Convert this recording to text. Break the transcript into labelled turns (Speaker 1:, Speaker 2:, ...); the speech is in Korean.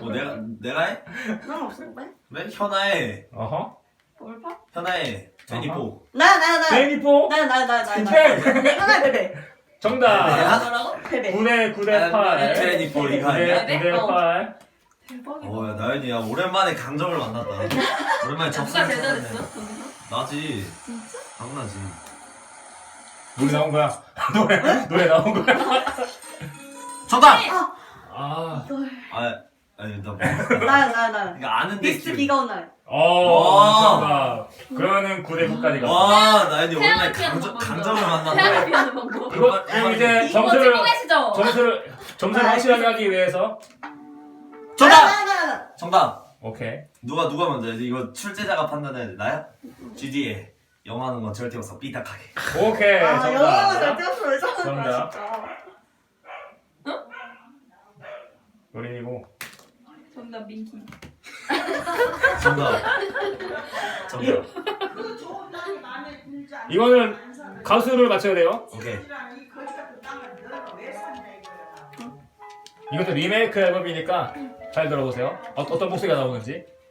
Speaker 1: 내가 해?
Speaker 2: 난 없어. 왜?
Speaker 1: 그래? 현아해.
Speaker 3: 어허.
Speaker 2: 뭘봐?
Speaker 1: 현아해. 제니포.
Speaker 2: 나.
Speaker 3: 제니포.
Speaker 2: 나.
Speaker 3: 오케이.
Speaker 2: 하나 베베.
Speaker 3: 정답.
Speaker 2: 뭐라고? 베베.
Speaker 3: 9대 8.
Speaker 1: 제니포 이거 아니야?
Speaker 3: 9대 8.
Speaker 2: 대박이다.
Speaker 1: 야 나연이 야 오랜만에 강점을 만났다. 오랜만에
Speaker 4: 누가
Speaker 1: 접수를
Speaker 4: 제일
Speaker 1: 찾았네.
Speaker 4: 잘했어? 거기서?
Speaker 1: 나지.
Speaker 2: 진짜?
Speaker 1: 당나지.
Speaker 3: 노래 나온 거야. 노래 나온 거야.
Speaker 1: 정답!
Speaker 3: 아.
Speaker 2: 이걸.
Speaker 1: 아니 나 뭐.
Speaker 2: 나.
Speaker 1: 이거 아는데.
Speaker 2: 미스트 비가 온 날.
Speaker 3: 정답. 그러면은 9대 9까지 가.
Speaker 1: 와 나연이 오랜만에
Speaker 4: 태양을 피하는
Speaker 1: 강점을
Speaker 4: 태양을
Speaker 1: 만났네.
Speaker 4: 피하는 방법.
Speaker 3: 이거 이제
Speaker 4: 이거 찍고 계시죠?
Speaker 3: 점수를 확실하게 하기 위해서.
Speaker 1: 정답!
Speaker 2: 나.
Speaker 1: 정답!
Speaker 3: 오케이.
Speaker 1: 누가 먼저 해야지? 이거 출제자가 판단해야 돼. 나야? GD에 영화하는 건 절대 없어. 삐딱하게.
Speaker 3: 오케이.
Speaker 2: 영화가 잘
Speaker 3: 정답.
Speaker 2: 뛰었어. 왜 저러는
Speaker 3: 정답.
Speaker 2: 거야 진짜.
Speaker 3: 노린이고.
Speaker 4: 정답 민키.
Speaker 1: 정답. 정답.
Speaker 3: 이거는 가수를 맞춰야 돼요.
Speaker 1: 오케이.
Speaker 3: 이것도 리메이크 앨범이니까 잘 들어보세요. 어떤 목소리가 나오는지.